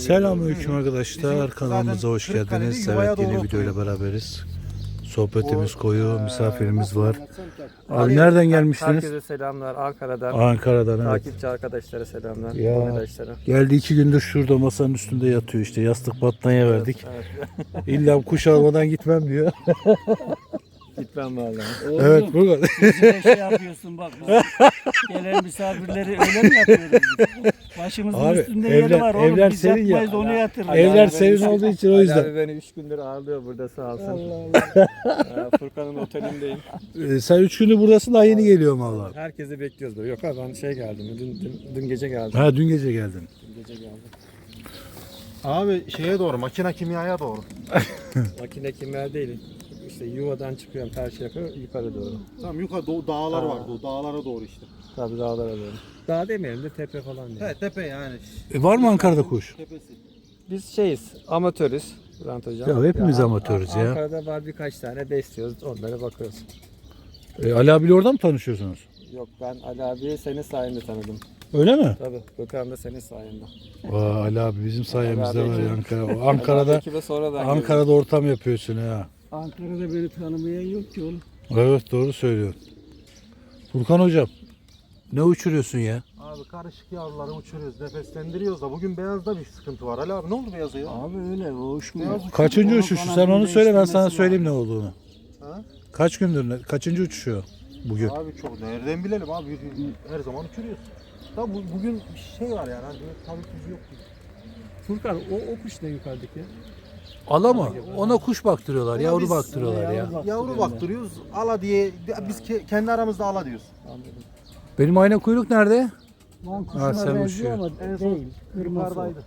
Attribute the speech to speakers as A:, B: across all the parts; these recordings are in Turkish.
A: Selamünaleyküm arkadaşlar. Kanalımıza hoş geldiniz. Evet, yeni videoyla beraberiz. Sohbetimiz koyu, misafirimiz var. Abi nereden gelmiştiniz?
B: Herkese selamlar Ankara'dan.
A: Ankara'dan, evet.
B: Takipçi arkadaşlara selamlar.
A: Ya,
B: Arkadaşlara.
A: geldi 2 gündür şurada masanın üstünde yatıyor işte. Yastık battaniye verdik.
B: Evet.
A: İlla kuş almadan gitmem diyor.
B: Gitmem vallahi.
A: Evet, Furkan.
C: Bize şey yapıyorsun bak. Gelen misafirleri öyle mi yapıyoruz biz? Başımızın
A: Abi,
C: üstünde
A: evler-
C: yeri var oğlum.
A: evler
C: Biz
A: senin ya.
C: yapmayız onu yatırırız.
A: Evler senin olduğu için o
B: Ali
A: yüzden.
B: abi beni 3 gündür ağırlıyor burada sağ olsun.
C: Allah Allah.
B: Furkan'ın otelindeyim.
A: Sen 3 gündür buradasın, daha yeni geliyorum valla.
B: Herkesi bekliyoruz böyle. Yok abi ben geldim. Dün gece geldim.
A: Ha, dün gece geldin.
B: Dün gece geldim.
D: Abi şeye doğru, makine kimyaya doğru.
B: Makine kimya değil. İşte yuvadan çıkıyorum Perşembe yukarı doğru.
D: Tamam yukarı dağlar var, dağlara doğru işte.
B: Tabii dağlara doğru. Dağ demeyelim de tepe falan diye.
D: He tepe yani.
A: Var mı Ankara'da kuş?
D: Tepesi.
B: Biz amatörüz Bülent Hocam.
A: Ya hepimiz amatörüz ya.
B: Ankara'da var birkaç tane besliyoruz, onlara bakıyoruz.
A: Ali abiyle orada mı tanışıyorsunuz?
B: Yok ben Ali abiyi senin sayende tanıdım.
A: Öyle mi?
B: Tabii Gökhan da senin sayende.
A: Vay, Ali abi bizim sayemizde
B: Ali
A: var ya
B: abi-
A: Ankara. Ankara'da
B: Ekibe sonradan
A: Ankara'da ortam yapıyorsun ha.
C: Ankara'da beni tanımayan yok ki oğlum.
A: Evet, doğru söylüyorsun. Furkan hocam, ne uçuruyorsun ya?
D: Abi karışık yavruları uçuruyoruz, nefeslendiriyoruz da bugün beyazda bir sıkıntı var. Ali abi ne oldu beyaza ya?
C: Abi öyle o uçmuyor.
D: Beyaz
A: Kaçıncı
C: Onun
A: uçuşu? Sen
C: kanadını
A: onu söyle, ben sana
C: değiştirmesi
A: söyleyeyim ne
C: lazım.
A: olduğunu.
D: Ha?
A: Kaç gündür, kaçıncı uçuşu bugün?
D: Abi çok nereden bilelim abi her zaman uçuruyoruz. Da bugün bir şey var yani hani tabii tuzu yok gibi.
B: Furkan o kuş ne yukarıdaki?
A: Ala mı? Ona kuş baktırıyorlar,
D: Ona
A: yavru
D: biz-
A: baktırıyorlar ya.
D: Yavru baktırıyoruz, ala diye biz kendi aramızda ala diyoruz.
B: Anladım.
A: Benim ayna kuyruk nerede?
C: Lan
A: Ha,
C: kuşuna
A: sen
C: benziyor
A: uçuyor.
C: ama
D: En son
C: değil. Kırmızı.
D: yukarıdaydı.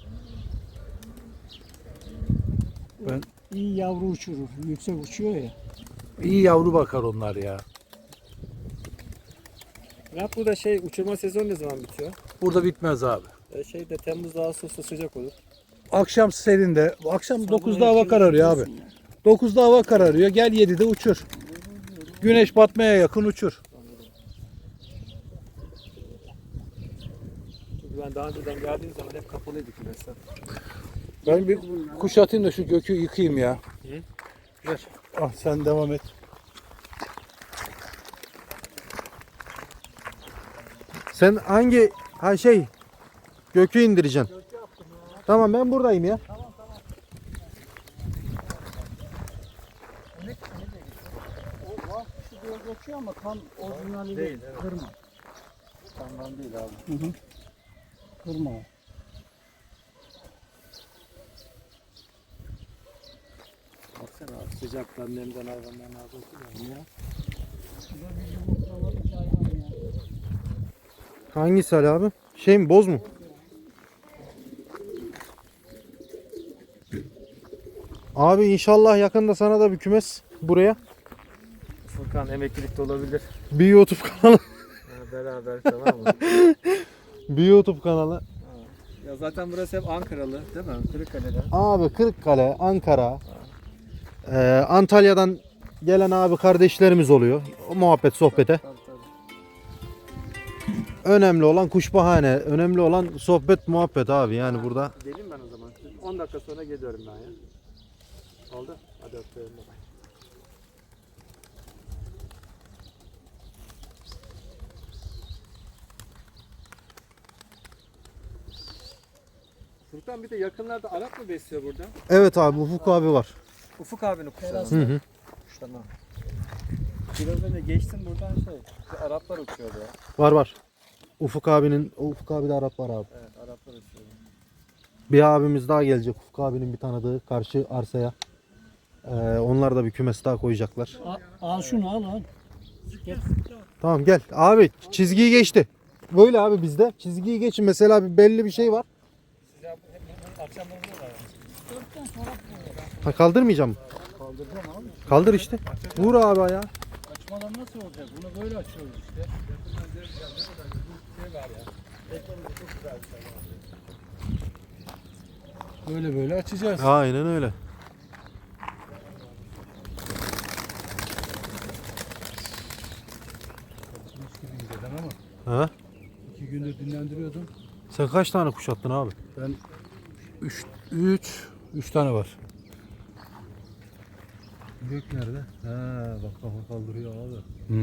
C: İyi yavru uçurur. Yüksek uçuyor ya.
A: İyi yavru bakar onlar ya.
B: Ya burada uçurma sezonu ne zaman bitiyor?
A: Burada bitmez abi.
B: De Temmuz Ağustos'ta sıcak olur.
A: Akşam serinde, akşam
C: Sabah
A: 9'da hava
C: erken
A: kararıyor abi.
C: uçuyorsun ya.
A: 9'da hava kararıyor, gel 7'de uçur. Güneş batmaya yakın uçur.
B: Çünkü ben daha önceden geldiğim zaman hep kapalıydı kümesler.
A: Ben bir kuş atayım da şu gökü yıkayayım ya. Ver. Ah, sen devam et.
D: Sen hangi gökü indireceksin? Tamam ben buradayım ya.
C: O var kuşu diye geçiyor ama tam orijinali değil. Kırma.
B: Tamam değil abi.
C: Hı hı. Kırma o.
B: Baksana abi sıcaktan nemden hayvanların ağzı okuyor ya.
C: Bu da bir yumurtlamak hayvan ya.
D: Hangisi Ali abi? Şey mi boz mu? Abi inşallah yakında sana da bir kümes buraya.
B: Furkan emeklilikte olabilir.
D: Bir YouTube kanalı.
B: Ha, beraber tamam mı?
D: Bir YouTube kanalı.
B: Ya zaten burası hep Ankaralı değil mi? Kırıkkale'de.
D: Abi Kırıkkale, Ankara, Antalya'dan gelen abi kardeşlerimiz oluyor. O muhabbet sohbete.
B: Tabii tabii.
D: Önemli olan kuş bahane. Önemli olan sohbet muhabbet abi yani burada.
B: Geleyim ben o zaman. 10 dakika sonra geliyorum ben ya. Oldu. Hadi öpüyorum. Bye. Furkan bir de yakınlarda Arap mı besliyor burada?
D: Evet abi Ufuk abi var.
B: Ufuk abinin kuşları.
D: Hı hı.
B: Tamam. Biraz önce geçtim buradan bir Araplar uçuyordu ya.
D: Var. Ufuk abi de Arap var abi.
B: Evet Araplar uçuyordu.
D: Bir abimiz daha gelecek Ufuk abinin bir tanıdığı karşı arsaya. Onlar da bir kümes daha koyacaklar.
C: Al şunu al. Gel.
D: Tamam gel. Abi çizgiyi geçti. Böyle abi bizde. Çizgiyi geçin. Mesela bir belli bir şey var.
B: Akşam oluyorlar.
D: Ha, kaldırmayacağım.
C: Kaldıracağım abi.
D: Kaldır işte. Vur abi ayağa.
C: Açmadan nasıl olacak? Bunu böyle açıyoruz işte.
A: Böyle böyle açacağız.
D: Aynen öyle.
A: Ama
D: Ha?
A: 2 gündür dinlendiriyordum.
D: Sen kaç tane kuş attın abi?
A: Ben 3 tane var.
D: Gök nerede? Ha bak kafa kaldırıyor abi.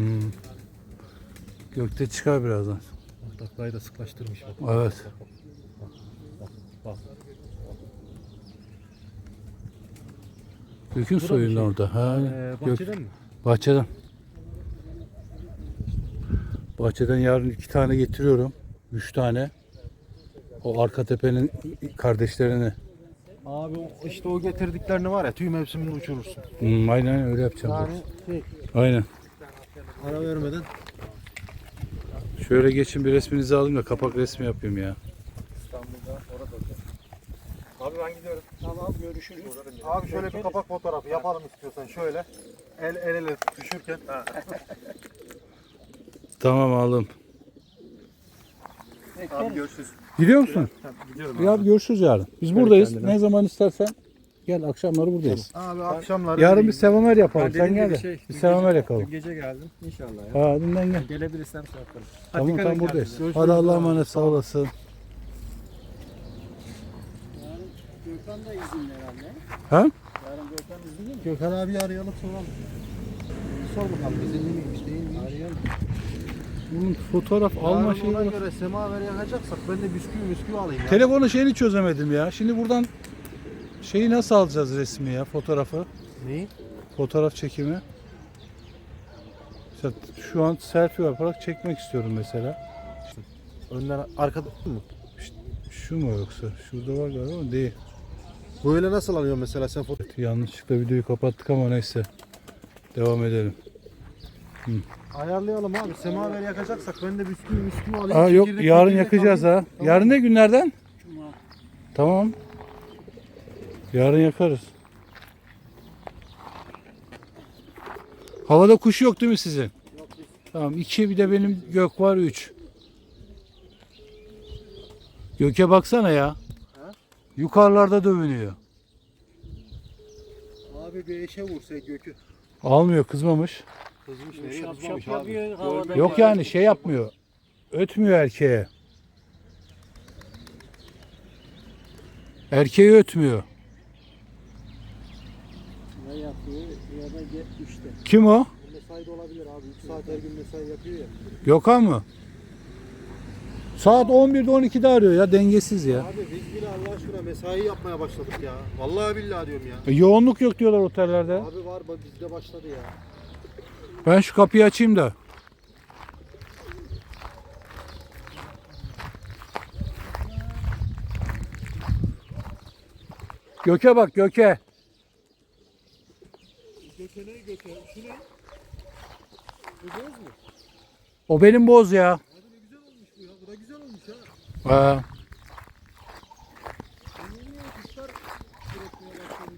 A: Gökte çıkar birazdan.
D: Bak taklayı da sıklaştırmış bak.
A: Evet.
D: Bak.
A: Gökün soyundan orada. Ha,
D: Bahçeden mi?
A: Bahçeden. Bahçeden yarın 2 tane getiriyorum. 3 tane. O arka tepenin kardeşlerini.
D: Abi işte o getirdiklerini var ya tüy mevsiminde uçurursun.
A: Aynen öyle yapacağım.
D: Yani şey,
A: Aynen.
D: ara vermeden.
A: Şöyle geçin bir resminizi alayım da kapak resmi yapayım ya.
B: İstanbul'da orada. Abi ben gidiyorum.
C: Tamam görüşürüz.
D: Abi şöyle bir kapak fotoğrafı yapalım istiyorsan şöyle. El ele düşürken.
A: Tamam aldım.
B: Abi görüşürüz.
A: Gidiyor musun?
B: Gidiyorum
A: Ya görüşürüz yarın. Biz buradayız. Ne zaman istersen gel, akşamları buradayız.
D: Abi akşamları.
A: Yarın bir sevamer yapalım. Sen
B: dediğim
A: gel
B: gibi
A: de. Bir sevamer yakalım.
B: Dün gece geldim. İnşallah ya.
A: Ha, dünden gel.
B: Gelebilirsem şey yaparım.
A: Tamam
B: dikkat
A: tam
B: edin
A: buradayız.
B: kendinize.
A: Hadi Allah'a emanet, sağ olasın.
C: Yarın Gökhan da izinli herhalde.
A: Ha?
C: Yarın Gökhan izinli mi?
D: Gökhan abi arayalım soralım. Sor bakalım izinli miymiş değil miymiş? Arayalım.
A: Bunun fotoğraf alma şeyi
D: Ona
A: var.
D: göre semaver yakacaksak ben de bisküvi alayım ya.
A: Telefonu şeyini çözemedim ya. Şimdi buradan şeyi nasıl alacağız, resmi ya, fotoğrafı?
D: Neyi?
A: Fotoğraf çekimi. İşte şu an selfie yaparak çekmek istiyorum mesela.
D: Önden arkada mı?
A: Şu mu yoksa? Şurada var galiba ama değil.
D: Böyle nasıl alıyor mesela sen foto?
A: Yanlışlıkla videoyu kapattık ama neyse. Devam edelim.
D: Ayarlayalım abi. Semaver yakacaksak ben de bisküvi alayım.
A: Aa, yok
D: Çekirdek
A: yarın
D: çekirdek
A: yakacağız
D: alayım.
A: ha. Yarın ne günlerden?
C: Cuma.
A: Tamam. Yarın yakarız. Havada kuş yok değil mi sizin? Yok. Tamam. 2 bir de benim gök var 3. Göke baksana ya. Yukarılarda dövünüyor.
D: Abi bir eşe vursa gökü.
A: Almıyor, kızmamış.
D: Kızmış
C: Şap şap yapıyor havada.
A: Yok yani şey yapmıyor. Ötmüyor erkeğe. Erkeği ötmüyor.
C: Ya yapıyor ya da işte.
A: Kim o?
D: Mesai de olabilir abi. 3 saat her gün mesai yapıyor ya.
A: Gökhan mı? Saat 11'de 12'de arıyor ya, dengesiz ya.
D: Abi biz bile Allah aşkına mesai yapmaya başladık ya. Vallahi billahi diyorum ya.
A: Yoğunluk yok diyorlar otellerde.
D: Abi var bak bizde başladı ya.
A: Ben şu kapıyı açayım da. Göke bak, göke.
D: Göke ne göke? Şu ne? Bu boz mu?
A: O benim boz ya.
D: Abi ne güzel olmuş bu ya. Bu da güzel olmuş ha.
A: Ha.
D: Niye kuşlar üretmeye başladı?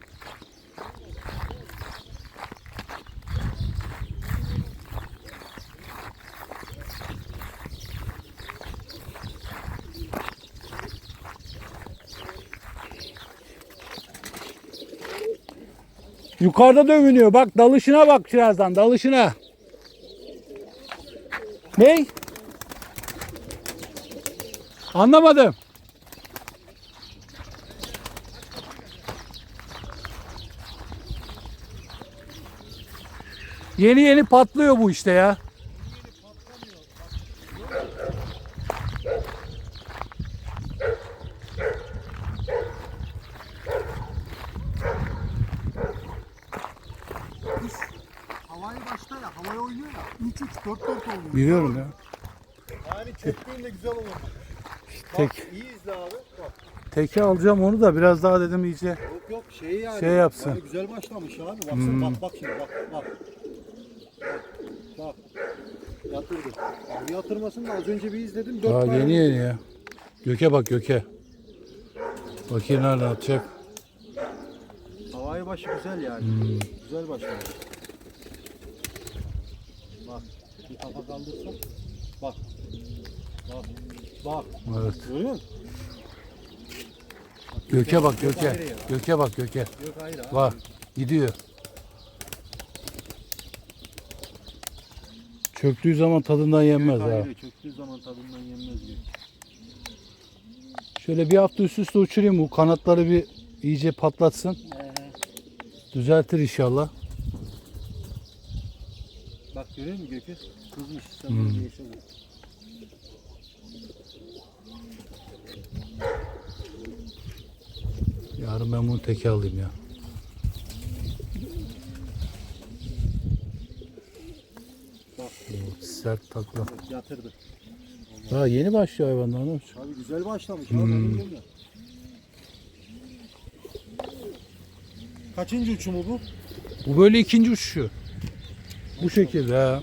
A: Yukarıda dövünüyor. Bak dalışına bak birazdan, dalışına. Ney? Anlamadım. Yeni yeni patlıyor bu işte ya.
D: Havayı başta ya. Havaya oynuyor ya. 3-3 4-4 oluyor.
A: Biliyorum ya.
D: Yani çektiğinde güzel olur.
A: Tek,
D: İyi izle abi. Bak.
A: teki alacağım onu da biraz daha dedim iyice.
D: Yok yok şey yani.
A: Şey yapsın.
D: Yani güzel başlamış abi. Baksana bak şimdi bak. Bak. Yatırdı. Abi yatırmasın da az önce bir izledim. 4
A: Daha
D: tane.
A: yeni yeni ya. Göke bak, göke. Bakayım nereden atacak.
D: Havayı başı güzel yani. Güzel başlamış. Bak. Bir kafa kaldırsa. Bak. Bak.
A: Evet.
D: Görüyor musun?
A: Göke bak, göke. Göke bak, göke.
D: Yok hayır abi.
A: Var. Gidiyor. Çöktüğü zaman tadından yenmez ha.
D: Hayır, çöktüğü zaman tadından yenmez diyor.
A: Şöyle bir hafta üst üste uçurayım. Bu kanatları bir iyice patlatsın. Düzeltir inşallah.
D: Bak görüyor musun Gökü? Kızmış. Sen
A: Hmm.
D: bunu yaşadın.
A: Yarın ben bunu teke alayım ya.
D: Bak.
A: Sert takla.
D: Yatırdı.
A: Daha yeni başlıyor hayvanlar. Ne yapacak?
D: Abi güzel başlamış.
A: Hmm.
D: Abi, ben biliyorum ya. Kaçıncı uçumu bu?
A: Bu böyle ikinci uçuşu. Bu şekilde ha.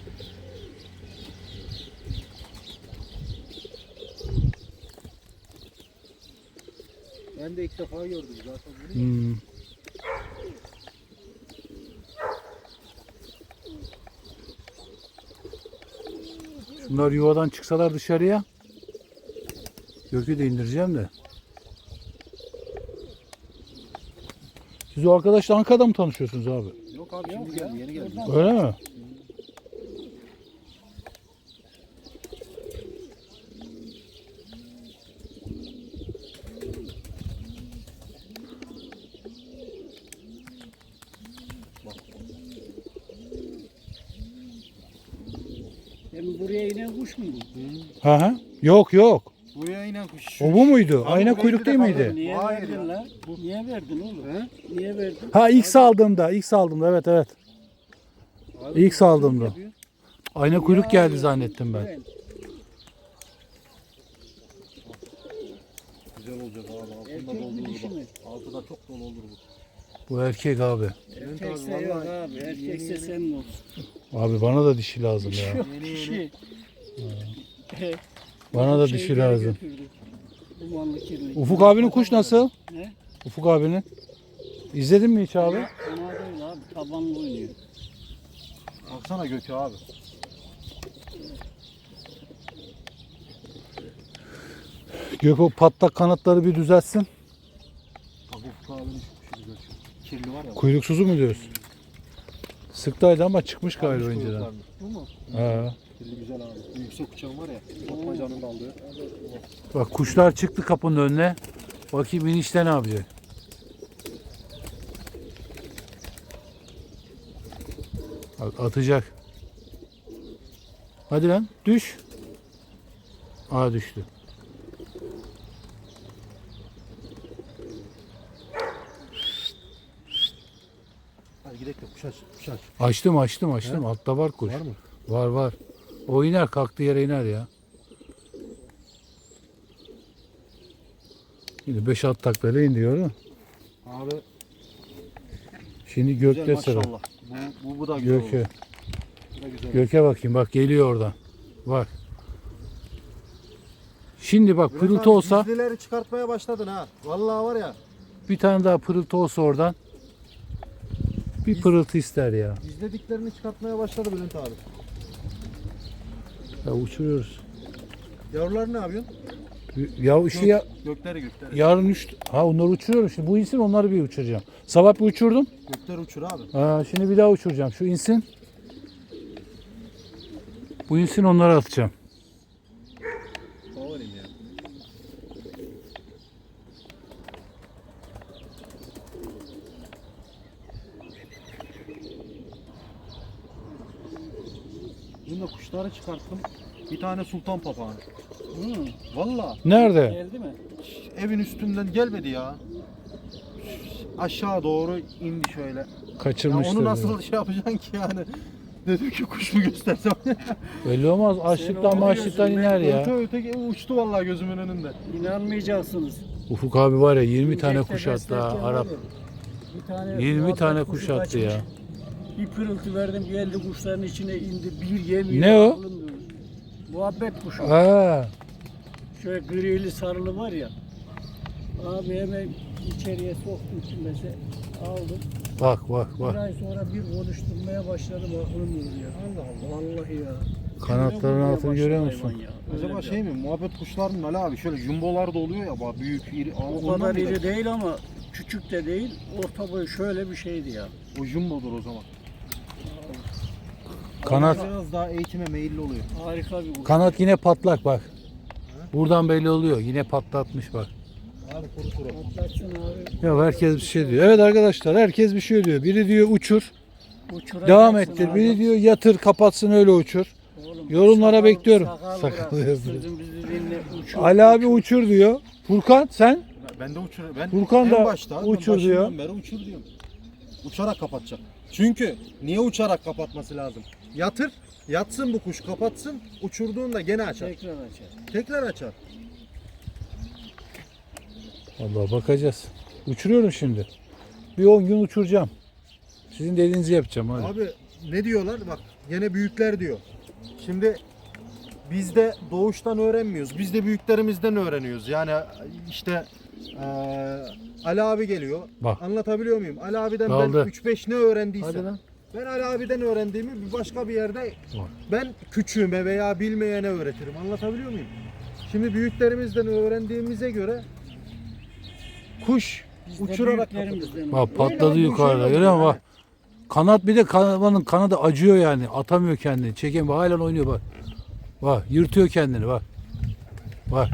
D: Ben de ilk defa gördüm zaten bunu.
A: Hmm. Şunlar yuvadan çıksalar dışarıya. Gökü de indireceğim de. Siz o arkadaşla Ankara'da mı tanışıyorsunuz abi?
D: Yok abi şimdi geldi, yeni geldi.
A: Öyle mi?
C: Hem buraya inen kuş mu bu?
A: Hı hı. Yok yok.
D: Buraya inen kuş.
A: O bu muydu?
D: Abi
A: Ayna
D: buraya
A: kuyruk
D: bir
A: değil
D: defa
A: miydi?
D: gördüm.
C: Niye
D: Hayır
C: verdin
D: ya.
C: la? Niye verdin oğlum?
D: He?
C: Niye verdin?
A: Ha ilk saldığımda evet evet.
D: Abi,
A: İlk saldığımda.
D: yapıyor.
A: Ayna kuyruk geldi zannettim ben.
D: Güzel olacak abi. Altında
C: Erkek mi
D: doldurur
C: dişi mi?
D: bak. Altı da çok dolu olur bu.
A: Bu erkek abi.
C: Erkekse yok abi. Erkekse senin olsun.
A: Abi bana da dişi lazım ya.
C: Yok
D: Yeni
C: dişi.
A: Bana da
C: Şeyleri
A: dişi lazım.
C: götürdü. Dumanlı kirli.
A: Ufuk abinin kuş nasıl?
C: Ne?
A: Ufuk abinin. İzledin mi hiç abi?
C: Fena değil abi. Tabanlı oynuyor.
D: Baksana Gökü abi.
A: Gök o patlak kanatları bir düzeltsin.
D: Bak Ufuk abinin şu kuşu güzel. Kirli var ya.
A: Kuyruksuzu mu diyorsun? Sıktaydı ama çıkmış galiba
D: Almış
A: önceden.
D: kuyruklarını. Bu mu?
A: Ha.
D: Kirli güzel abi. Yüksek uçağım var ya. Topmacanın da aldığı.
A: Bak kuşlar çıktı kapının önüne. Bakayım inişte ne yapacak? Bak atacak. Hadi lan düş. Aa düştü.
D: Hadi gidelim de kuş aç. Kuş aç.
A: Açtım. Altta var kuş.
D: Var mı?
A: Var. O iner kalktığı yere iner ya. Şimdi 5-6 taklayla indi gördün mü?
D: Abi
A: Şimdi
D: güzel
A: gökte sıra.
D: maşallah. Bu da güzel
A: Göke.
D: olur. Bu da güzel.
A: Göke bakayım bak geliyor oradan. Bak. Şimdi bak
D: Bülent
A: pırıltı
D: abi,
A: olsa
D: gizlileri çıkartmaya başladın ha. Vallahi var ya.
A: bir tane daha pırıltı olsa oradan. Bir pırıltı ister ya.
D: Gizlediklerini çıkartmaya başladı Bülent abi.
A: Ya uçuruyoruz.
D: Yavrular ne yapıyorsun?
A: Ya işte ya,
D: Gökleri.
A: yarın onları uçuruyorum. Şimdi bu insin onları bir uçuracağım. Sabah bir uçurdum.
D: Gökler uçur abi.
A: Şimdi bir daha uçuracağım. Şu insin. Bu insin onları atacağım.
D: Favorim ya. Dün de kuşları çıkarttım. Bir tane sultan papağanı.
C: Hı.
D: Valla
A: Nerede?
C: Geldi mi?
D: evin üstünden gelmedi ya. Aşağı doğru indi şöyle. Ya
A: Kaçırmıştır.
D: onu nasıl şey yapacaksın ki yani? Dedim ki kuş mu göstersem?
A: Belli olmaz. Açlıktan
C: onu
A: maçlıktan
C: diyorsun,
A: iner ya.
D: Öte uçtu vallahi gözümün önünde.
C: İnanmayacaksınız.
A: Ufuk abi var ya 20 tane
C: Gökte
A: kuş attı ha
C: beslerken
A: Arap.
C: var ya, bir tane
A: 20
C: muhabbet
A: tane
C: kuşu
A: kuş attı
C: kaçmış.
A: ya.
C: Bir pırıltı verdim geldi kuşların içine indi. Bir yemiyor.
A: Ne o?
C: aklım durur. Muhabbet kuşu.
A: Ha.
C: Şöyle grili sarılı var ya. Abi hemen içeriye soktum kimese aldım.
A: Bak.
C: Bir ay sonra bir konuşturmaya başladım aklım durur ya. Allah Allah. Vallahi ya.
A: Kanatların
C: Kimine
A: altını
C: vurmaya
A: görüyor
C: başladı
A: musun?
C: hayvan ya. Öyle
D: Acaba
C: bir-
D: şey mi? Muhabbet kuşlarının Ali abi şöyle jumbolar da oluyor ya bak büyük iri.
C: O kadar iri değil ama küçük de değil. Orta boy şöyle bir şeydi ya.
D: O jumbodur o zaman.
A: Kanat
D: Biraz daha eğitime meyilli oluyor.
C: Harika bir kuş.
A: kanat yine patlak bak. Buradan belli oluyor. Yine patlatmış bak.
D: Abi kuru kuru.
C: Patlatsın abi.
A: Ya herkes bir şey diyor. Evet arkadaşlar herkes bir şey diyor. Biri diyor uçur,
C: Uçuracaksın
A: devam ettir.
C: abi.
A: Biri diyor yatır, kapatsın öyle uçur.
C: Oğlum,
A: Yorumlara
C: sakal-
A: bekliyorum.
C: sakal
A: Sakal
C: bırak,
A: yapıyor.
C: sözün bizi dinle, uçur,
A: Ali abi uçur diyor. Furkan sen?
D: Ben de uçur. Ben
A: Furkan
D: en
A: da
D: başta, ben
A: uçur
D: başından
A: diyor.
D: beri uçur diyorum. Uçarak kapatacak. Çünkü niye uçarak kapatması lazım? Yatır, yatsın bu kuş, kapatsın. Uçurduğunda gene açar.
C: Tekrar açar.
D: Tekrar açar.
A: Allah bakacağız. Uçuruyorum şimdi. Bir 10 gün uçuracağım. Sizin dediğinizi yapacağım hadi.
D: Abi ne diyorlar? Bak yine büyükler diyor. Şimdi biz de doğuştan öğrenmiyoruz. Biz de büyüklerimizden öğreniyoruz. Yani işte Ali abi geliyor.
A: Bak.
D: Anlatabiliyor muyum? Ali abiden
A: Daldı.
D: ben 3-5 ne öğrendiysem.
A: Hadi lan.
D: Ben Ali abiden öğrendiğimi bir başka bir yerde ben küçüğüme veya bilmeyene öğretirim. Anlatabiliyor muyum? Şimdi büyüklerimizden öğrendiğimize göre kuş
C: Biz de
D: uçurarak
C: büyüklerimizden
A: Bak patladı
D: Öyle
A: yukarıda.
D: öyle
A: Görüyor musun
D: yani.
A: bak. Kanat bir de kanadı acıyor yani. Atamıyor kendini. Çeken bak halen oynuyor bak. Bak yırtıyor kendini bak. Bak.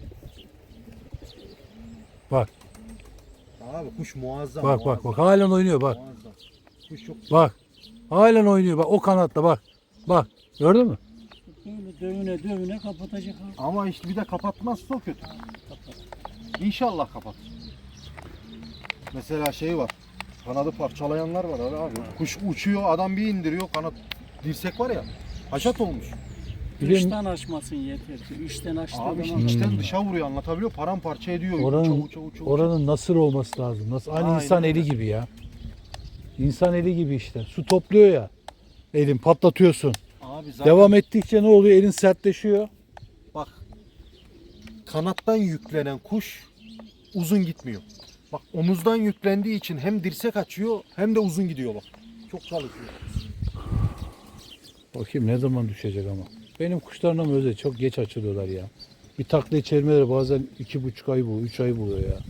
A: Bak
D: Abi kuş muazzam.
A: bak bak
D: muazzam,
A: bak halen oynuyor bak.
D: muazzam. Kuş çok
A: Bak. Halen oynuyor bak o kanatla bak. Bak. Gördün mü?
C: böyle dövüne dövüne kapatacak abi.
D: ama işte bir de kapatmazsa o kötü. İnşallah kapat. Mesela şey var. Kanadı parçalayanlar var abi. Kuş uçuyor, adam bir indiriyor, kanat dirsek var ya. Haşat olmuş.
A: Bir de
C: Dıştan açmasın yeter ki. İçten açtığı
D: Abi işte
C: zaman
D: içten dışa vuruyor, anlatabiliyor. Paramparça ediyor.
A: Oranın-
D: uça.
A: oranın nasır olması lazım. Nasıl? Aynı
D: Aynen
A: insan eli
D: öyle.
A: gibi ya. İnsan eli gibi işte. Su topluyor ya. Elin patlatıyorsun.
D: Abi zaten
A: Devam ettikçe ne oluyor? Elin sertleşiyor.
D: bak, kanattan yüklenen kuş uzun gitmiyor. Bak omuzdan yüklendiği için hem dirsek açıyor hem de uzun gidiyor bak. Çok çalışıyor.
A: Bakayım ne zaman düşecek ama. Benim kuşlarım öyle çok geç açılıyorlar ya. Bir takla içermeleri bazen 2,5 ay buluyor, 3 ay buluyor ya.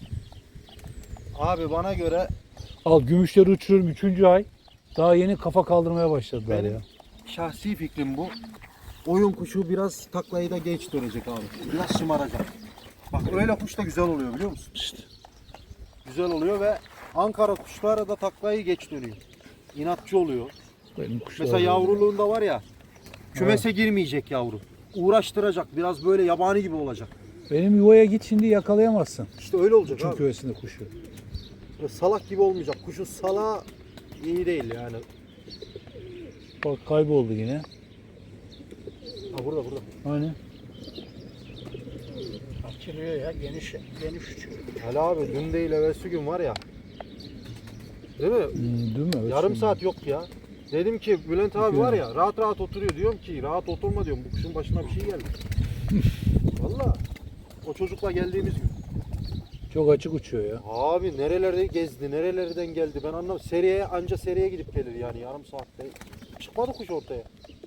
D: Abi bana göre
A: Al gümüşleri uçuruyorum 3. ay. Daha yeni kafa kaldırmaya başladılar
D: Benim-
A: ya.
D: şahsi fikrim bu. Oyun kuşu biraz taklayı da geç dönecek abi. Biraz şımaracak. Bak öyle kuş da güzel oluyor biliyor musun?
A: İşte.
D: Güzel oluyor ve Ankara kuşları da taklayı geç dönüyor. İnatçı oluyor.
A: Benim kuşlar
D: Mesela
A: öyle.
D: yavruluğunda var ya, kümese girmeyecek yavru. Uğraştıracak, biraz böyle yabani gibi olacak.
A: Benim yuvaya git şimdi yakalayamazsın.
D: İşte öyle olacak
A: Uçum
D: abi.
A: kövesinde kuşu.
D: Böyle salak gibi olmayacak. Kuşun salağı iyi değil yani.
A: Bak kayboldu yine.
D: Ha burada.
A: Hani?
C: açılıyor ya. Geniş uçuyor.
D: Ali abi dün değil evvelsi gün var ya. Değil mi?
A: Değil mi? Evet,
D: Yarım
A: şimdi.
D: saat yok ya. Dedim ki Bülent abi var ya rahat rahat oturuyor. Diyorum ki rahat oturma diyorum. Bu kuşun başına bir şey geldi. Valla. O çocukla geldiğimiz gün.
A: Çok açık uçuyor ya.
D: Abi nerelerde gezdi, nerelerden geldi ben anlamadım. Seriye anca seriye gidip gelir yani yarım saatte. Çıkmadı kuş ortaya.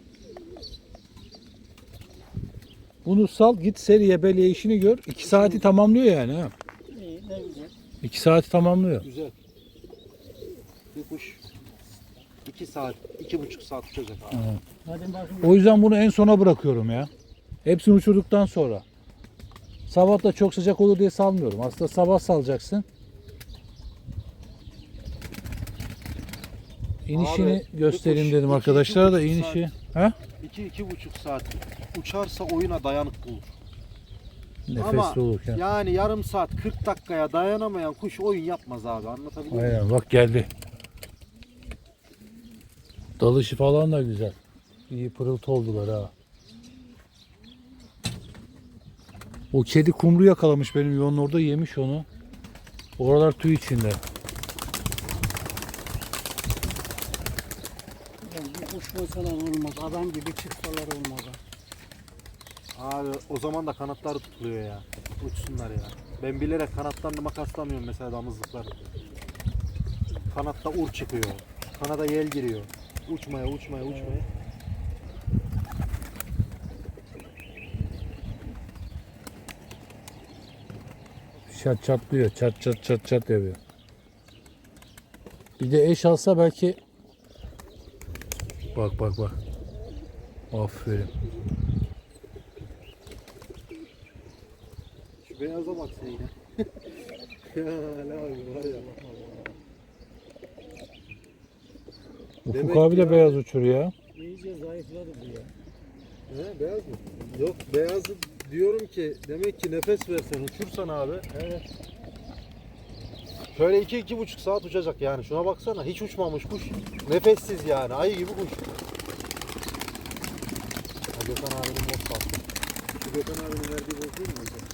A: Bunu sal git seriye beleye işini gör. 2 saati tamamlıyor yani ha.
C: İyi ne güzel.
A: 2 saati tamamlıyor.
D: Güzel. Bir kuş 2 saat, 2,5 saat uçacak abi.
C: Hadi bakın.
A: O yüzden bunu en sona bırakıyorum ya. Hepsini uçurduktan sonra. Sabah da çok sıcak olur diye salmıyorum. Aslında sabah salacaksın. İnişini
D: Abi,
A: göstereyim
D: bir kuş
A: dedim
D: iki,
A: arkadaşlara da
D: 2,5
A: inişi. Ha?
D: 2-2,5 saat uçarsa oyuna dayanıklı olur.
A: Nefesli
D: Ama
A: olurken.
D: yani yarım saat 40 dakikaya dayanamayan kuş oyun yapmaz abi, anlatabiliyor muyum?
A: Aynen bak geldi. Dalışı falan da güzel. İyi pırıltı oldular ha. O kedi kumru yakalamış benim yolun orada, yemiş onu. Oralar tüy içinde.
C: Yani bir kuş mesela olmaz. Adam gibi çıksalar olmaz.
D: Abi o zaman da kanatları tutuluyor ya. Uçsunlar ya. Ben bilerek kanatlarını makaslamıyorum mesela damızlıkları. Kanatta ur çıkıyor. Kanada yel giriyor. Uçmaya.
A: Çat çatlıyor. Çat yapıyor. Bir de eş alsa belki. Bak. Aferin.
D: Şu beyaza bak sen yine. Ya Ali abi var ya.
A: Ufuk
D: Demek
A: abi
D: ki
A: de
D: ya-
A: beyaz uçuruyor ya.
C: İyice zayıfladı bu ya.
D: He beyaz mı? Yok beyazı diyorum ki demek ki nefes versen uçursan abi.
C: Evet.
D: Şöyle 2-2,5 saat uçacak yani. Şuna baksana hiç uçmamış kuş. Nefessiz yani ayı gibi kuş. Ha, Gökhan abinin boz kalktı. Şu Gökhan abinin verdiği boz değil mi hocam?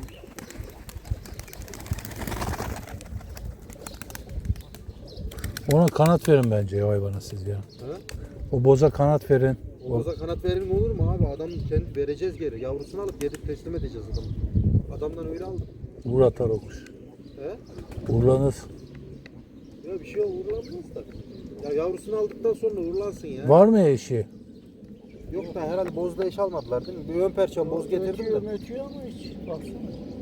A: Ona kanat verin bence ya hayvana siz ya.
D: He?
A: O boza kanat verin.
D: O boza kanat verir olur mu abi? Adam kendi vereceğiz geri. Yavrusunu alıp geri teslim edeceğiz adamı. Adamdan öyle aldım.
A: Vur atar o kuş.
D: He?
A: Vurlanır.
D: Ya bir şey uğurlanmaz da. Ya yavrusunu aldıktan sonra uğurlansın ya.
A: Var mı eşi?
D: Yok da herhalde bozda eş almadılar değil mi? Bir ön perçem boz getirdim de.
C: Ötüyor ama hiç. Baksana.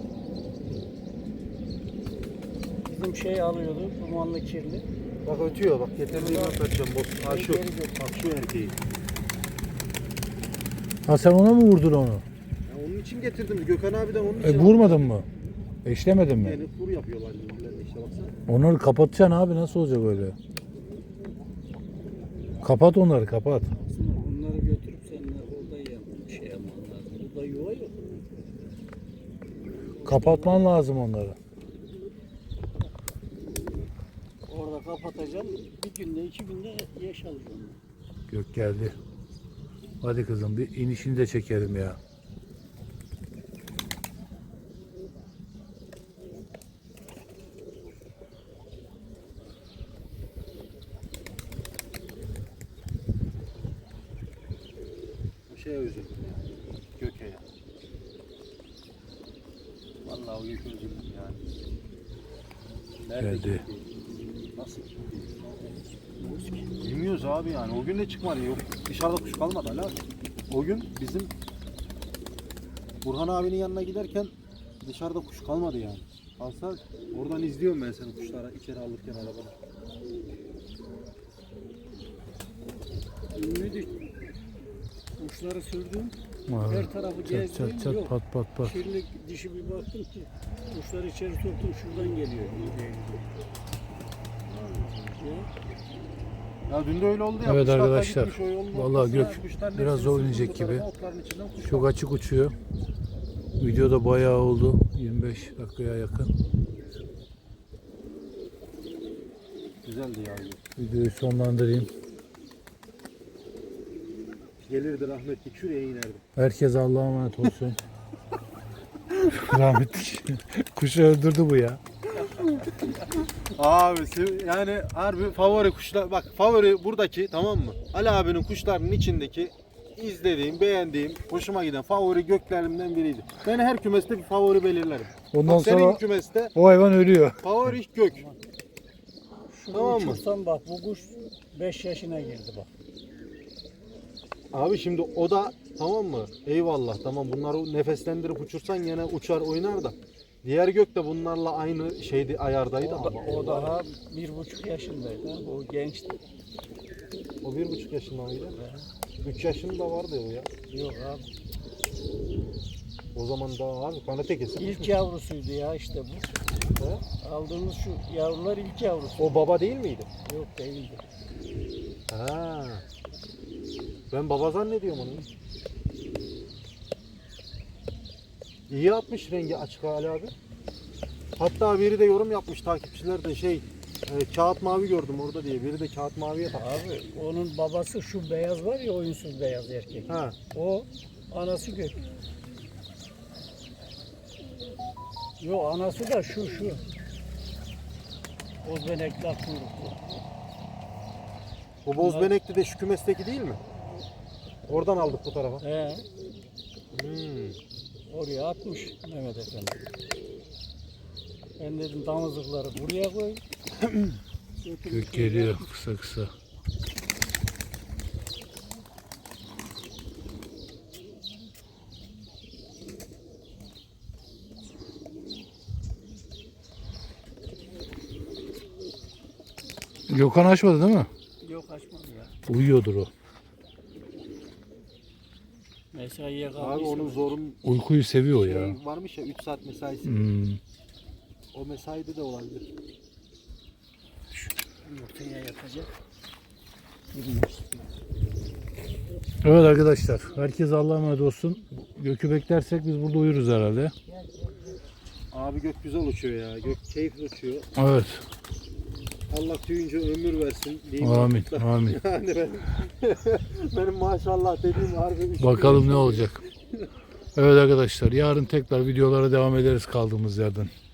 C: Bizim şey alıyordu, dumanlı kirli.
D: Bak ötüyor bak getirdiğim ön perçem boz. Ha şu.
C: Geri götür.
D: Bak şu erkeği.
A: Ha sen ona mı vurdun onu?
D: Ya onun için getirdim. Gökhan abiden onun için.
A: Vurmadın mı? Eşlemedin mi?
D: Yani kur yapıyorlar birbirlerine işte baksana.
A: Onları kapatacaksın abi, nasıl olacak öyle? Kapat onları, kapat.
C: Aslında bunları götürüp seninle orada şey yapman lazım. Burada yuva yok.
A: Kapatman lazım onları.
C: Orada kapatacağım. Bir günde, 2 günde yaş alacağım.
A: Gök geldi. Hadi kızım bir inişini de çekelim ya.
D: Bu şeye üzüldüm ya. Göke ya. Vallahi o göke üzüldüm yani. Nerede
A: Geldi.
D: gitti? Nasıl gitti? Bilmiyoruz abi yani. O gün de çıkmadı. Yok dışarıda kuş kalmadı hala. O gün bizim Burhan abinin yanına giderken dışarıda kuş kalmadı yani. Alsa oradan izliyorum ben seni kuşlara içeri alırken arabada.
C: Ünlüydü. Kuşları sürdüm.
A: Abi,
C: Her tarafı
A: çat
C: gezdim.
A: çat çat
C: Yok.
A: pat pat pat.
C: Kirli dişi bir baktım ki kuşları içeri soktum, şuradan geliyor.
D: Ya dün de öyle oldu ya.
A: Evet
D: kuşlar da
A: arkadaşlar,
D: gitmiş, o yolun
A: vallahi
D: ortasına,
A: gök
D: kuşların
A: biraz
D: hepsini
A: zor
D: sürtündü
A: inecek
D: bu tarafa,
A: gibi.
D: otların içinden kuş
A: Çok açık uçuyor. Video da bayağı oldu. 25 dakikaya yakın.
D: güzeldi ya.
A: Videoyu sonlandırayım.
D: Gelirdi rahmetli şuraya inerdi.
A: Herkes Allah'a emanet olsun. Rahmetli kuşu öldürdü bu ya.
D: Abi yani harbi favori kuşlar bak favori buradaki tamam mı? Ali abinin kuşlarının içindeki izlediğim, beğendiğim, hoşuma giden favori göklerimden biriydi. Ben her kümeste bir favori belirlerim.
A: Ondan
D: Bak senin
A: sonra
D: kümeste
A: o hayvan ölüyor.
D: favori gök.
C: Şunu
D: Tamam mı?
C: uçursam bak bu kuş 5 yaşına girdi bak.
D: Abi şimdi o da tamam mı? Eyvallah tamam bunları nefeslendirip uçursan yine uçar oynar da. Diğer gök de bunlarla aynı şeydi ayardaydı ama.
C: O daha 1,5 yaşındaydı. Ha. O gençti.
D: O 1,5 yaşında mıydı? 3 yaşında vardı o ya.
C: Yok abi.
D: O zaman daha abi kanate kesin.
C: İlk yavrusuydu ya işte bu.
D: He?
C: Aldığımız şu yavrular ilk yavrusu.
D: O baba değil miydi?
C: Yok değildi.
D: Ha. Ben baba zannediyorum onu. İyi atmış rengi açık Ali abi. Hatta biri de yorum yapmış takipçiler de kağıt mavi gördüm orada diye. Biri de kağıt maviye takmış.
C: Abi onun babası şu beyaz var ya oyunsuz beyaz erkek.
D: Ha.
C: O anası gök. Yo anası da şu. Bozbenekler kuyruklu.
D: Bu bozbenekli de şu kümesteki değil mi? Oradan aldık bu tarafa.
C: He,
D: Hmm.
C: oraya atmış Mehmet Efendi. Ben dedim damızlıkları buraya koy.
A: Gök geliyor kısa kısa. Gökhan açmadı değil mi?
C: Yok açmadı ya.
A: Uyuyordur o.
C: Mesaiye
D: Abi
C: kaldıysa.
D: onun zorun
A: Uykuyu seviyor ya.
D: varmış ya 3 saat mesaisi.
A: Hmm.
D: O mesaide de olabilir.
C: Yumurtaya yatacak.
A: Evet arkadaşlar. Herkes Allah'a emanet olsun. Gökü beklersek biz burada uyuruz herhalde.
D: Abi gök güzel uçuyor ya. Gök keyifli uçuyor.
A: Evet.
D: Allah tüyünce ömür versin diyeyim.
A: Amin. Amin.
D: Yani benim maşallah dediğim harbi.
A: Bakalım ne olacak. Evet arkadaşlar. Yarın tekrar videolara devam ederiz kaldığımız yerden.